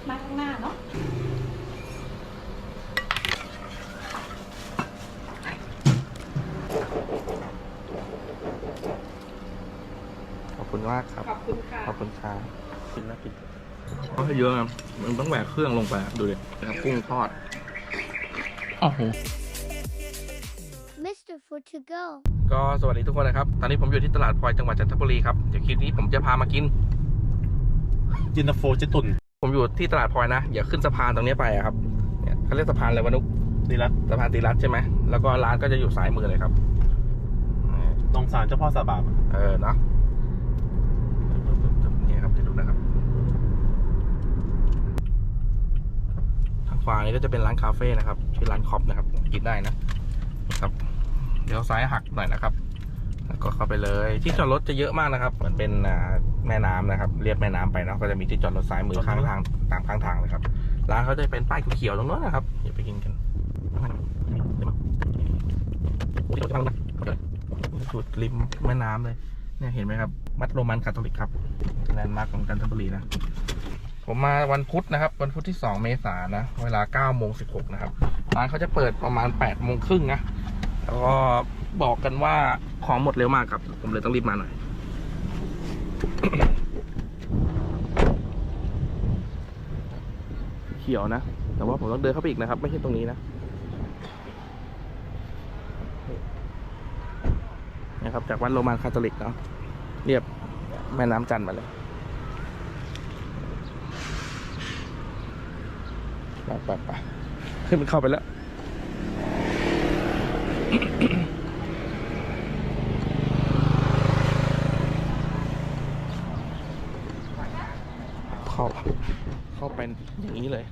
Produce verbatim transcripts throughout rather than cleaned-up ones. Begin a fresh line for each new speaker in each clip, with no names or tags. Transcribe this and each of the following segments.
มาข้างหน้าเนาะ
ขอบคุณมากครับ
ขอบคุณค่ะ
ขอบคุณค่ะกินนะกินก็ให้เยอะนะมันต้องแหวกเครื่องลงไปดูดินะครับกุ้งทอดโอ้โห
มิสเตอร์ Food to go
ก็สวัสดีทุกคนนะครับตอนนี้ผมอยู่ที่ตลาดพลอยจังหวัดจันทบุรีครับเดี๋ยวคลิปนี้ผมจะพามากิน
จินตาโฟเจตุ่น
ผมอยู่ที่ตลาดพลอยนะอย่าขึ้นสะพานตรงนี้ไปครับเนี่ยเขาเรียกสะพานอะไรวะนุ๊ก
ตีรัต
สะพานตีรัตใช่ไหมแล้วก็ร้านก็จะอยู่ซ้ายมือเลยครับ
ตรงศาลเจ้าพ่อสาบาบ
เออเนาะนี่ครับให้ดูนะครับทางขวานี้ก็จะเป็นร้านคาเฟ่นะครับชื่อร้านคอปนะครับกินได้นะครับเดี๋ยวซ้ายหักหน่อยนะครับแล้วก็เข้าไปเลยที่จอดรถจะเยอะมากนะครับเหมือนเป็นแม่น้ำนะครับเรียบแม่น้ำไปเนาะก็จะมีที่จอดรถซ้ายมือข้างทางตามข้างทางเลยครับร้านเขาจะเป็นป้ายเขียวๆตรงนู้นนะครับอย่าไปกินกันสุดริมแม่น้ำเลยเนี่ยเห็นไหมครับวัดโรมันคาทอลิกครับแลนด์มาร์คของจันทบุรีนะผมมาวันพุธนะครับวันพุธที่สองเมษายนนะเวลาเก้าโมงสิบหกนะครับร้านเขาจะเปิดประมาณแปดโมงครึ่งนะแล้วก็บอกกันว่าของหมดเร็วมากครับผมเลยต้องรีบมาหน่อย เขียวนะแต่ว่าผมต้องเดินเข้าไปอีกนะครับไม่ใช่ตรงนี้นะนะครับจากวัดโรมันคาทอลิกเนาะเรียบแม่น้ำจันทร์มาเลยไปไปไปขึ้นมันเข้าไปแล้วเข้าเข้าไปอย่างนี้เลย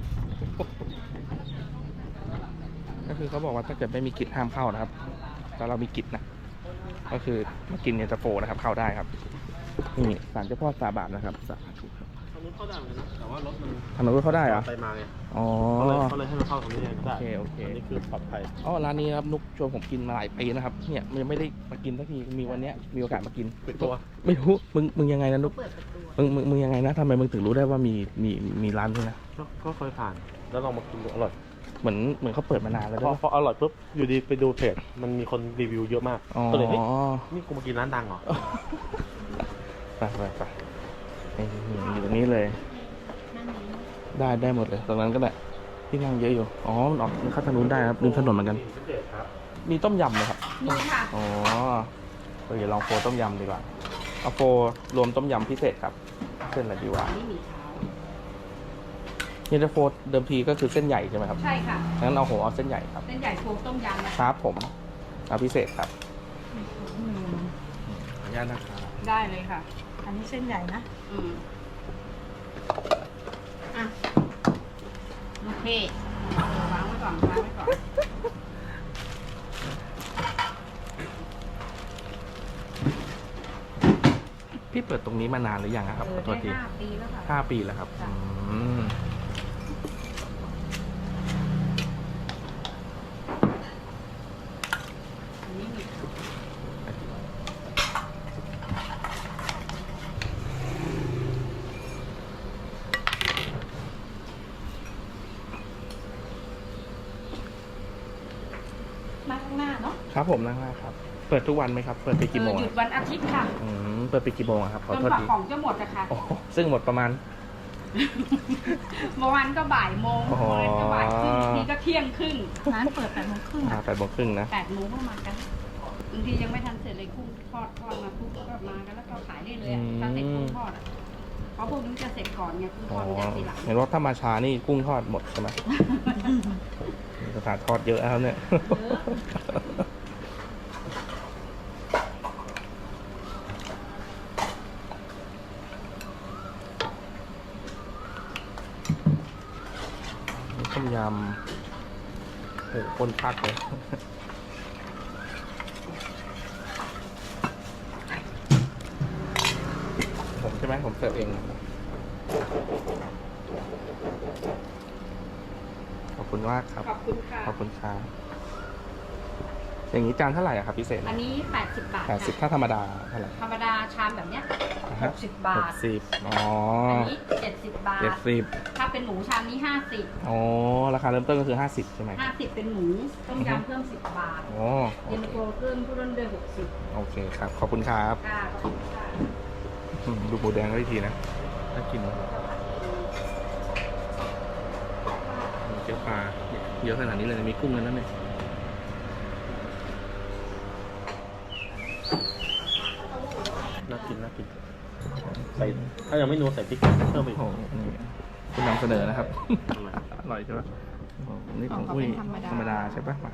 ก็คือเขาบอกว่าถ้าเกิดไม่มีกิจห้ามเข้านะครับแต่เรามีกิจนะก็คือมากินเย็นตาโฟนะครับเข้าได้ครับนี่ศาลเจ้าพ่อสาบาทนะครับสาธุครับ
ทางนู้นเข้าได้เหมือนกันนะแต่ว่ารถมัน
ทางนู้นเข้าได้เหรอ
ไปมาไง
อ๋อ
เขาเลยเขาเลยให้มันเข้าตรงนี้ไงได้
โอเคโอเค
อันนี้คือปลอดภัย
อ๋อร้านนี้ครับนุกชวนผมกินมาหลายปีนะครับเนี่ยมันยังไม่ได้มากินสักทีมีวันนี้มีโอกาสมากิน
ปิดตัว
ไม่รู้มึงมึงยังไงนะนุกมึงมึงมึงยังไงนะทำไมมึงถึงรู้ได้ว่ามีมีมีร้านนี้นะ
ก็เคยผ่านแล้วลองมากินดูอร่อย
เหมือนเหมือนเขาเปิดมานานแล้วด้วย
พออร่อยปุ๊บอยู่ดีไปดูเพจมันมีคนรีวิวเยอะมากก็เลยเฮ้ยนี่กูมากินร้านดังเหรอ
ไปไปไปอยู่ตรงนี้เลยได้ได้หมดเลยตรงนั้นก็ได้ที่นั่งเยอะอยู่อ๋อมันออกเข้าทางนู้นได้ครับริมถนนเหมือนกันมีต้มยำไหมครับ
มีค่ะ
อ๋อเดี๋ยวลองโฟต้มยำดีกว่าเอาโฟรวมต้มยำพิเศษครับเส้นอะไรดีวะ
นี่มีเท้า
เย็นตาโฟเดิมทีก็คือเส้นใหญ่ใช่ไหมครับ
ใช่ค่ะ
งั้นเอาโหเอาเส้นใหญ่ครับ
เส้นใหญ่โฟต้มยำนะครับ
ผมเอาพิเศษครับขออนุญาตนะครับ
ได้เลยค่ะอันนี้เส้นใหญ่นะอืมอ่ะโอเควางไว้ก่อนวางไว้ก่อน
พี่เปิดตรงนี้มานานหรือยังครับขอโทษที
ห้าปีแล้วค่ะ
ห้าปีแล้วครับอืม
อันนี้มีมาข้างหน้าเนาะ
ครับผมนั่งหน้าครับเปิดทุกวันไหมครับเปิดไปกี่โมง
หยุดวันอาทิตย์ค่ะ
อืมเปิดไปกี่โมงครับขอโทษที
ของจะหมดอะค่ะ
ซึ่งหมดประมาณ
เมื่อวานก็บ่ายโมงเมื่อวานก็บ่ายครึ่งทีก็เที่ยงครึ่งร้านเปิดแปดโมงครึ่ง
อ่าแปดโมงครึ่งนะ
แปดโมงก็มากันบางทียังไม่ทันเสร็จเลยกุ้งทอดทอดมาปุ๊บก็มากันแล้วก็ขายได้เลยอ่ะถ้าเสร็จกุ้งทอดอ่ะเพราะพวกนี้จะเสร็จก่อนไงกุ้งทอดมันจะทีหลัง
เห็นว่าถ้ามาช้านี่กุ้งทอดหมดใช่ไหมสถานทอดเยอะแล้วเนี่ยต้มยำโอ้คนพักเลยผมใช่ไหมผมเสิร์ฟเองขอบคุณมากครับ
ขอบคุณค่ะ
ขอบคุณค่ะอย่างนี้จานเท่าไหร่ครับพิเศษ
อันนี้แปดสิบบาท
แปดสิบถ้าธรรมดาเท่าไหร่
ธรรมดาชามแบบเนี้ยหกสิบบา
ห
ท
กสิบอ๋อ
อันนี้เจ็ดสิบบาท
เจ็ดสิบ
ถ้าเป็นหมูชามนี้ห้าสิบ
อ๋อราคาเริ่มต้นก็คือห้าสิบใช่ไหม
ห้าสิบเป็นหมูต้มยำเพิ่มสิบบาท
อ๋อ
เย็นตาโฟเพิ่มเพิ่มด้วยหกสิบ
โอเคครับขอบคุณครับ
ค่ะขอบคุณค่ะ
อืมดูหมูแดงก็อีกทีนะน่ากินมากเกี๊ยวปลาเยอะขนาดนี้เลยมีกุ้งกันนั่นเลย
น่ากินน่ากินใส่ถ้ายังไม่นัวใส่พริกเพิ่มไปอีก
โอ้โหนี่คุณนำเสนอนะครับ อร่อยใช่ปะโอ้โหนี่ของอุ้ยธรรมดาใช่ปะมา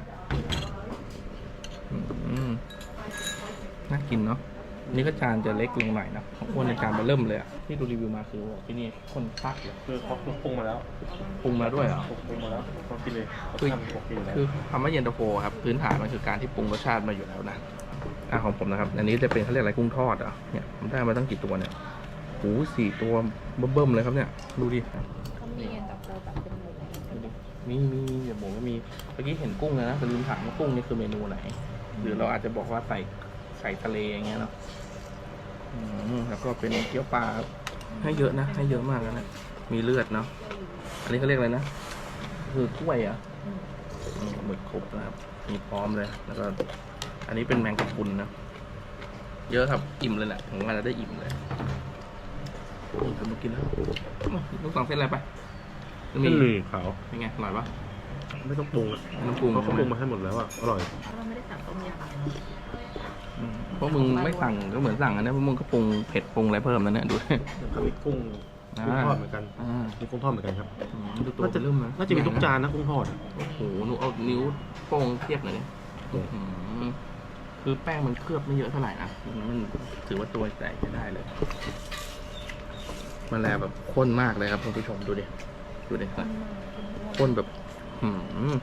อืมน่ากินเนาะนี่ก็จานจะเล็กลงหน่อยนะของอ้วนในจานมาเริ่มเลยอ่ะที่ดูรีวิวมาคือบอกที่นี่คนพักเลย
คือเขาปรุงมาแล้ว
ปรุงมาด้วยเหรอ
ปรุงมาแล้วเขากินเลยเขา
คือ
ทำโอเคอยู่แล้ว
คือคำว่าเย็นตาโฟครับพื้นฐานมันคือการที่ปรุงรสชาติมาอยู่แล้วนะอ่ะของผมนะครับ อันนี้จะเป็นเขาเรียกอะไรกุ้งทอดอ่ะเนี่ยผมได้มาตั้งกี่ตัวเนี่ยโอ้โหสี่ตัวเบิ่มๆเลยครับเนี่ยดูดิ
เขามีเย็นตาโฟแบบเป็นหมู
ดูดิมีมีมีเดี๋ยวผมก็มีเมื่อกี้เห็นกุ้งแล้วนะแต่ลืมถามว่ากุ้งนี่คือเมนูไหน หรือเราอาจจะบอกว่าใส่ใส่ทะเลอย่างเงี้ยเนาะอืมแล้วก็เป็นเกี๊ยวปลาครับให้เยอะนะให้เยอะมากนะมีเลือดเนาะอันนี้เขาเรียกอะไรนะคือกล้วยเหรอ่ะหมึกครบนะครับมีพร้อมเลยแล้วก็อันนี้เป็นแมงกะพรุนนะเยอะครับอิ่มเลยแหละผมว่าจะได้อิ่มเลยนี่ทำมากินแล้วลูกสั่งเส้นอะไรไป
เส้นหมี่ขาว
เป็นไงอร่อยปะ
ไม่ต้องปรุงอ่ะ
ไม่ต้องปรุง
เขา
ใช่ไหม
ปรุงมาให้หมดแล้วอ่ะอร่อย
เราไม่ได้สั่งต้มยำ
อืมเพราะมึงไม่สั่งก็เหมือนสั่งอันนี้เพราะมึงก็ปรุงเผ็ดปรุงอะไรเพิ่มนั่นเนี่ยดู
เขามีกุ้งกุ้งทอดเหมือนกัน
อ่า
มีกุ้งทอดเหมือนกันครับ
อืมดูตัว
น่าจะ
เริ่มนะ
น่าจะมีทุกจานนะกุ้งทอดอะ
โอ้โหหนูเอานิ้วโป้งเทียบหน่อยดิอื้อหือคือแป้งมันเคลือบไม่เยอะเท่าไหร่นะมันถือว่าตัวใหญ่จะได้เลยมันแลแบบข้นมากเลยครับคุณผู้ชมดูดิดูดิข้นแบบหืม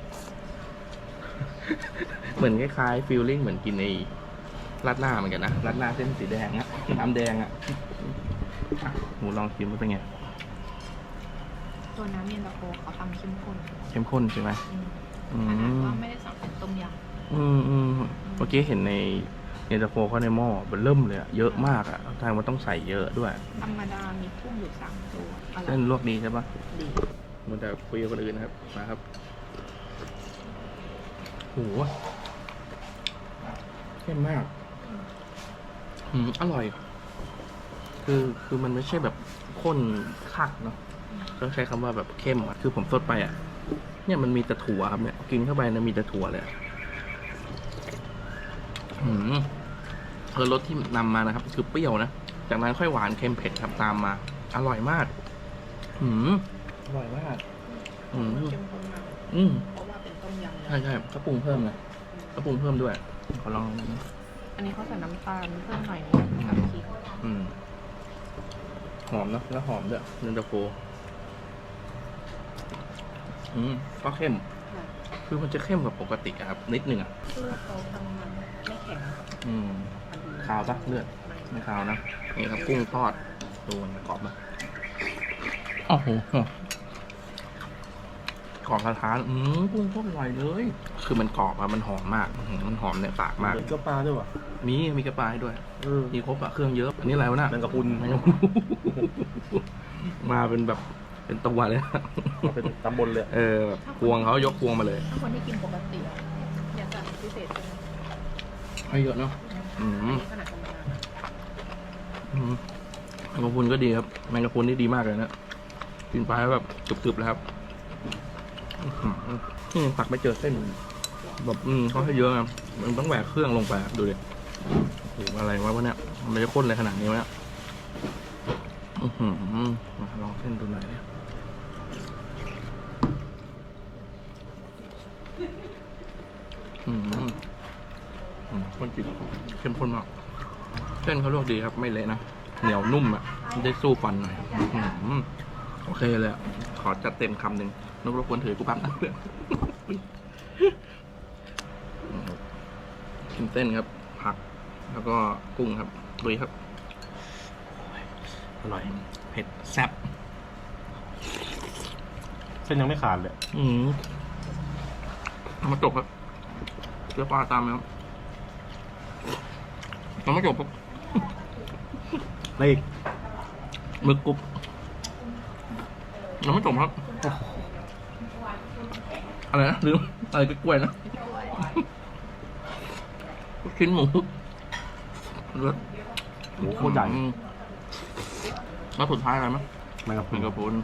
เหมือนคล้ายๆฟีลลิ่งเหมือนกินไอ้ราดหน้าเหมือนกันนะราดหน้าเส้นสีแดงอะน้ำแดงอะอ่ะหมูลองชิมว่าเป็นไง
ตัวน้ำเย็นตาโฟเขาทำเข้มข้น
เข้มข้นใช่ไหม
อืม
อื
ขนาด
ม
ว่าไม่ได้สั่งเป็นต้มย
อืมอืมเมื่อกี้เห็นในเย็นตาโฟเขาในหม้อมันเริ่มเลยอะเยอะมากอะทางมันต้องใส่เยอะด้วย
ำธรรมดามีกุ้งอยู่สามตัวอร่อ
เส้
ย
นลวกดีใช่ปะ
ดี
มันจะคุยกับคนอื่นนะครับมาครับโหเข้มมากอืมอร่อย คือคือมันไม่ใช่แบบข้นคักเนาะต้องใช้คำว่าแบบเข้มอะคือผมสดไปอ่ะ เนี่ยมันมีแต่ถั่วครับเนี่ยกินเข้าไปนะมีแต่ถั่วเลยอะอืมเออรสที่นำมานะครับ คือเปรี้ยวนะจากนั้นค่อยหวานเค็มเผ็ดครับตามมา อร่อยมาก อืมอร่อยมาก อืม
เข้มข้นมาก
อืม
เพราะว่าเป็นต้มยำ
ใช่ใช่ก็ปรุงเพิ่มนะก็ปรุงเพิ่มด้วยขอลอง
อันนี้เขาใส่น้ำตาลเพิ่มหน่อยนึงกับพริก
อืมหอมเนอะแล้วหอมด้วยเย็นตาโฟอืมก็เข้ม คือมันจะเข้มกว่าปกติอะครับ นิดนึงอ่ะ
คือเขาทำมันไม่แข็ง
อืมขาวปะเลือดไม่ขาวนะนี่ครับกุ้งทอดดูมันกรอบนะโอ้โหกรอบกระทานอืมกุ้งโคตรอร่อยเลย คือมันกรอบอะมันหอมมากอื้อหือมันหอมเนี่ยปากมาก
เหมือนเกี๊ยวปลาด้วยว่ะ
มีมีกระปายด้วย
เออ
มีครบอะเครื่องเยอะอันนี้อะไรวะน่ะ
แมงกะพรุน
แมงกะพรุนมาเป็นแบบเป็นตัวเลย
เอาเป็นตำบลเลย
เออแบบพวงเขายกพวงมาเลย
ถ้าคนที่กินปกติอะอยากสั่งพิเศษใช่ไหม
ให้เยอะเนาะอืม
ขนาดธรรมดา
อืมแมงกะพรุนก็ดีครับแมงกะพรุนนี่ดีมากเลยนะกินไปแล้วแบบกรึบๆเลยครับอื้อหือนี่ตักไม่เจอเส้นแบบอืมเขาให้เยอะนะมันต้องแหวกเครื่องลงไปอะดูดิโอ้โหอะไรวะวะเนี่ยมันจะข้นอะไรขนาดนี้วะเนี่ยอือหือมาลองเส้นดูหน่อยดิอืมอืมข้นจริงเข้มข้นมากเส้นเขาลวกดีครับไม่เละนะเหนียวนุ่มอ่ะได้สู้ฟันหน่อยอืมโอเคเลยอะขอจัดเต็มคำหนึ่งนกรบกวนถือกูปั๊บนะเพื่อนกินเส้นครับ ผัก แล้วก็กุ้งครับดุยครับ อร่อย เผ็ดแซ่บ
เส้นยังไม่ขาดเลย
อืมเอามาจบครับเสื้อปลาตามไหมครับเอามาจบครับ
อะไรอีก
หมึกกรุบยังไม่จบครับอะไรนะลืมอะไรกล้วยๆนะลูกชิ้นหมูรส
หมูโคตรใหญ่
อืมแล้วสุดท้ายอะไรมั้ย
แมงกะพรุ
เป็น
น
กระปุน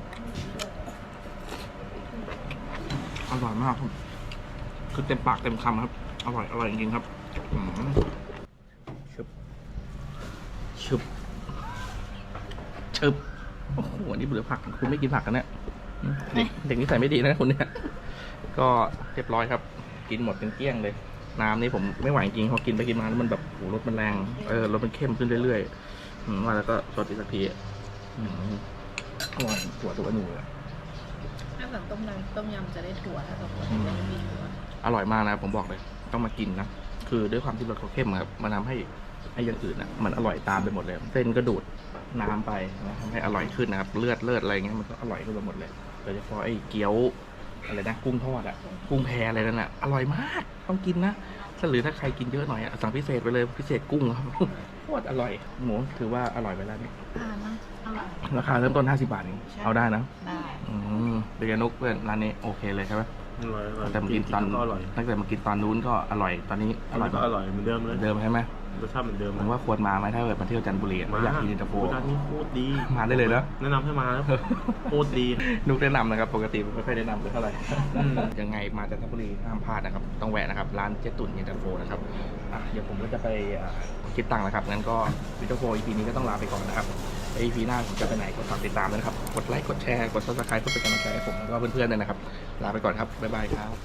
อร่อยมากครับคือเต็มปากเต็มคำครับอร่อยอร่อยจริงๆครับอืมชึบชึบชึบโอ้โหอันนี้เบื่อผักคุณไม่กินผักกันเนี่ยเด็กเด็กนิสัยไม่ดีนะคุณเนี่ยก็เรียบร้อยครับ กินหมดเป็นเกลี้ยงเลย น้ำนี่ผมไม่ไหวจริงพอกินไปกินมาแล้วมันแบบโอ้รสมันแรงเออรสมันเข้มขึ้นเรื่อยๆอืมว่าแล้วก็สดอีกสักทีอ่ะอืมอร่อยถั่วตัวหนูเลย
ถ้าแบบต้มยำต้มยำจะได้ถั่วถ้าแบบว่าจะไม่มีถั่ว
อร่อยมากนะผมบอกเลยต้องมากินนะคือด้วยความที่รสเขาเข้มครับมันทำให้ไอ้อย่างอื่นอ่ะมันอร่อยตามไปหมดเลยเส้นก็ดูดน้ำไปนะทำให้อร่อยขึ้นนะครับเลือดเลือดอะไรเงี้ยมันก็อร่อยขึ้นไปหมดเลยโดยเฉพาะไอ้เกี๊ยวอะไรนะกุ้งทอดอ่ะกุ้งแพอะไรนั่นอ่ะอร่อยมากต้องกินนะถ้าหรือถ้าใครกินเยอะหน่อยอ่ะสั่งพิเศษไปเลยพิเศษกุ้งครับโคตรอร่อยหมูถือว่าอร่อยไปแล้วนี่
อ่านะอร่อย
ราคาเริ่มต้นห้าสิบบาทเองเอาได้นะ
ได้
อืมเบียร์นุกเพื่อนร้านนี้โอเคเลยใช่ไหม
อร่อยอร่อย
แต่มากินตอน
ก็อร่อย
ตั้งแต่มากินตอนนู้นก็อร่อยตอนนี้อร่อย
ก็อร่อยเหมือนเดิม
เห
เล
มื
ย
อนเดิมใช่ไหม
รสชาติเหมือนเดิม
ผมว่าควรมาไหมถ้าเกิดมาเที่ยวจันทบุรีแล้วอยากกินอินเตอร์โฟ
ร้านนี้โคตรดี
มาได้เลยนะ
แนะนำให้มาแล้วโคตรดี
นุกแนะนำนะครับปกติไม่ค่อยแนะนำเลยเท่าไหร่
อืม
ยังไงมาจันทบุรีห้ามพลาดนะครับต้องแวะนะครับร้านเจ๊ตุ่นอินเตอร์โฟนะครับอ่ะเดี๋ยวผมก็จะไปอ่าคิดตังค์นะครับงั้นก็อินเตอร์โฟ อี พี นี้ก็ต้องลาไปก่อนนะครับไอ อี พี หน้าผมจะไปไหนก็ฝากติดตามด้วยนะครับกดไลค์กดแชร์กด ซับสไครบ์ เพื่อเป็นกำลังใจให้ผมแล้วก็เพื่อนๆด้วยนะครับลาไปก่อนครับบ๊ายบายครับ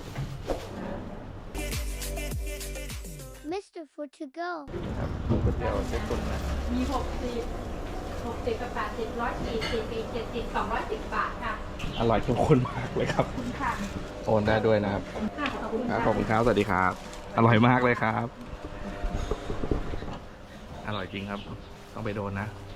มิสเตอร์ Food to go
ครับก๋วยเตี๋ยวเจ๊ตุ่นนะ
มีหกสิบหกสิบกับแปดสิบร้อยสี่สิบปีเจ็ดสิบสองร้อยสิบบาทค่ะ
อร่อยเข้มข้นมากเลยครับ
ขอบคุณค่ะ
โอนได้ด้วยนะครับ
ค่ะขอบคุณ
ครับ
ค่ะ
ขอบคุณครับ สวัสดีครับ อร่อยมากเลยครับ อร่อยจริงครับ ต้องไปโดนนะ